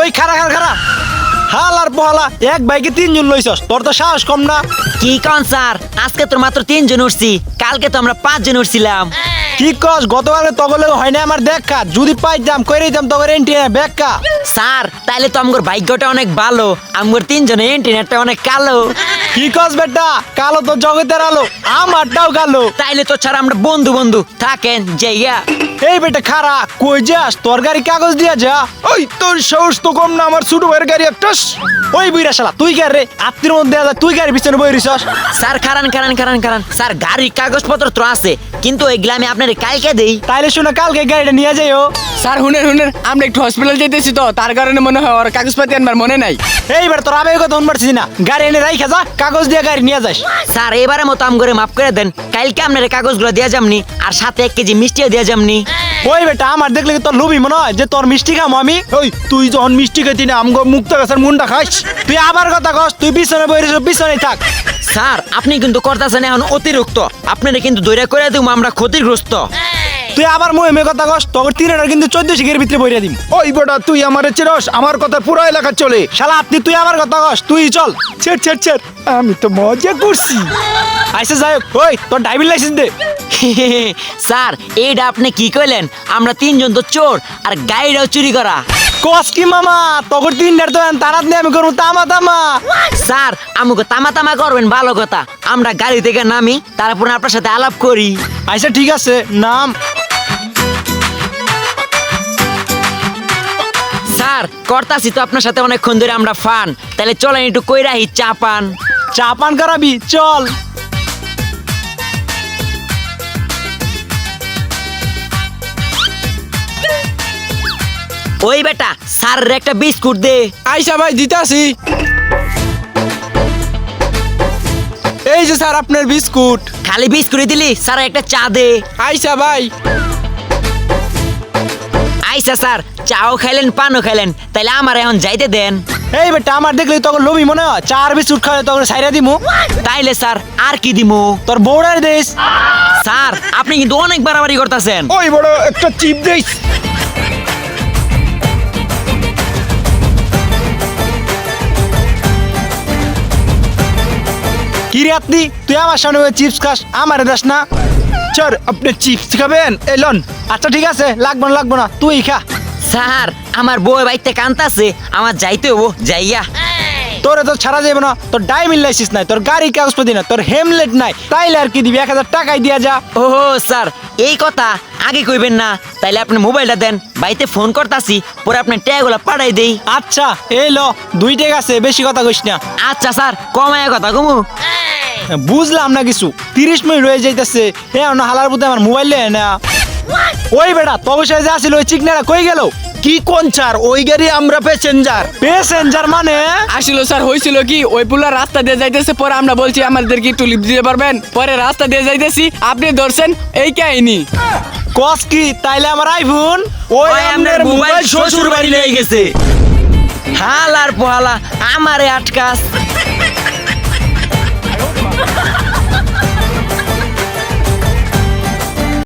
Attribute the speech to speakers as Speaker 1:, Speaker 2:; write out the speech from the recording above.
Speaker 1: খারা খারা খারা হালার পহালা এক বাইকে 3 জন লইছস তোর তো সাহস কম না
Speaker 2: কি কোন স্যার আজকে তো মাত্র 3 জন উঠছি কালকে তো আমরা 5 জন উঠছিলাম
Speaker 1: কি কস গতকালে তগলে হয় না আমার দেখা যদি পাইতাম কইরাই দাম তগরে এন্টিনা বেক্কা
Speaker 2: স্যার তাইলে তো আমগর ভাগ্যটা অনেক ভালো আমগর 3 জনের ইন্টারনেটটা অনেক কালো
Speaker 1: কি কস বেটা কালো তো জগতের আলো আমারটাও কালো
Speaker 2: তাইলে তো ছাড়া আমরা বন্ধু বন্ধু থাকেন যাইয়া
Speaker 1: এই বেটা খারা কই যাস তোর গাড়ি কাগজ দিয়া যা ওই তোর সাহস তো কম না আমার ছোট ভাইয়ের গাড়ি একটাস ওই বুইরা শালা তুই গাড়ি রে আত্মীর মধ্যে দেয়া যায় তুই গাড়ি পিছনে বই রিছস
Speaker 2: স্যার খারান স্যার গাড়ির কাগজপত্র তো আছে কিন্তু এগুলা আমি আপনার কালকে দেই
Speaker 1: তাইলে শুনে কালকে গাড়িটা নিয়ে যাইও
Speaker 3: স্যার হুনেন আমরা একটু হসপিটাল যেতেছি তো তার কারণে মনে হয় ওর কাগজপাতি আনবার মনে নাই।
Speaker 1: এইবার তোর আবেগ কথা শুনবারছিস না গাড়ি এনে রাইখা যা কাগজ দিয়ে গাড়ি নিয়ে যাস
Speaker 2: স্যার এবারে মতো আম করে মাফ করে দেন কালকে আপনার কাগজগুলো দেয়া যামনি আর সাথে 1 কেজি মিষ্টিও দেয়া যামনি
Speaker 1: ওই বেটা আমার দেখলে কি তোর লুবি মনে হয় যে তোর মিষ্টি খাম আমি ওই তুই যখন মিষ্টি খাইতি না আমগো মুক্ত গাছের মুন্ডা খাইস তুই আবার কথা কস তুই পিছনে বই রিছস পিছনেই থাক
Speaker 2: স্যার আপনি কিন্তু করতেছেন এখন অতিরিক্ত আপনারা কিন্তু দৈরা করে দিব আমরা ক্ষতিগ্রস্ত
Speaker 1: তুই আবার মুহে কথা কস তোর 3 কিন্তু 14 শিখের ভিতরে বইরা দিম
Speaker 4: ওই বেটা তুই আমারে চিরস আমার কথা পুরো এলাকা চলে
Speaker 1: শালা আপনি তুই আবার কথা কস তুই চল ছেড় ছেড় ছেড় আমি তো মজা করছি আইসে যাই হোক ওই তোর ড্রাইভিং লাইসেন্স দে
Speaker 2: স্যার এইটা আপনি কি কইলেন আমরা 3 জন তো চোর আর গাড়িটাও চুরি করা
Speaker 1: কস কি মামা তোর 3টার তো তারাত নিয়ে আমি করবো তামা তামা
Speaker 2: স্যার আমাকে তামা করবেন ভালো কথা আমরা গাড়ি থেকে নামি তারপর আপনার সাথে আলাপ করি
Speaker 1: আচ্ছা ঠিক আছে নাম
Speaker 2: স্যার করতাছি তো আপনার সাথে অনেকক্ষণ ধরে আমরা ফান তাহলে চলেন একটু কইরাহি চা পান
Speaker 1: চা পান করাবি চল
Speaker 2: ওই বেটা স্যারের একটা বিস্কুট দে
Speaker 3: আইসা ভাই দিতাছি। এই যে স্যার আপনার বিস্কুট।
Speaker 2: খালি বিস্কুট দিলি স্যার একটা চা দে
Speaker 3: আইসা ভাই।
Speaker 2: আইসা স্যার চাও খাইলেন পানও খাইলেন তাইলে আমার এখন যাইতে দেন
Speaker 1: এই বেটা আমার দেখলে তোর লোভি মনে হয় 4 বিস্কুট খাওয়া তোর সাইরা দিমু
Speaker 2: তাইলে স্যার আর কি দিমু
Speaker 1: তোর বউড়ার দেশ
Speaker 2: স্যার আপনি কিন্তু অনেক বাড়াবাড়ি করতেছেন
Speaker 4: ওই বড় একটা চিপ দেই
Speaker 1: কি রে আপনি তুই আমার সামনে চিপস খাস আমারে দাস না
Speaker 4: স্যার আপনি চিপস খাবেন এলন
Speaker 1: আচ্ছা ঠিক আছে লাগবো না তুই খা
Speaker 2: স্যার আমার বউ বাইতে কান্তাছে আমার যাইতে হবো যাইয়া
Speaker 1: তোরে তো ছাড়া যাবে না তোর ড্রাইভিং লাইসেন্স নাই তোর গাড়ির কাগজপত্র না তোর হেলমেট নাই তাইলে আর কি দিবি 1000 টাকাই দিয়া যা
Speaker 2: ও স্যার এই কথা আগে কইবেন না তাইলে আপনি মোবাইলটা দেন বাইতে ফোন করতাছি পরে আপনি ট্যাগুলা পাঠাই দেই
Speaker 1: আচ্ছা এই লো 2 টাকা আছে বেশি কথা কইস না
Speaker 2: আচ্ছা স্যার কমায় কথা কমু
Speaker 1: বুঝলাম না কিছু 30 মিনিট হয়ে যাইতেছে না হালার বুদ্ধে আমার মোবাইল না ওই বেটা তবে সে যে আসিল ওই চিকনাটা কই গেল
Speaker 4: কি কোন স্যার ওই গাড়ি আমরা
Speaker 1: প্যাসেঞ্জার মানে
Speaker 3: আসলে স্যার হয়েছিল কি ওই পুলা রাস্তা দিয়ে যাইতেছে পরে আমরা বলছি আমাদেরকে একটু লিফট দিতে পারবেন পরে রাস্তা দিয়ে যাইতেছি আপনি ধরছেন এই কাহিনী।
Speaker 1: কস কি তাইলে আমার আইফোন
Speaker 2: ওই আপনার মোবাইল শ্বশুর বাড়ি লয়ে গেছে হালার পোহালা আমারে আটকাস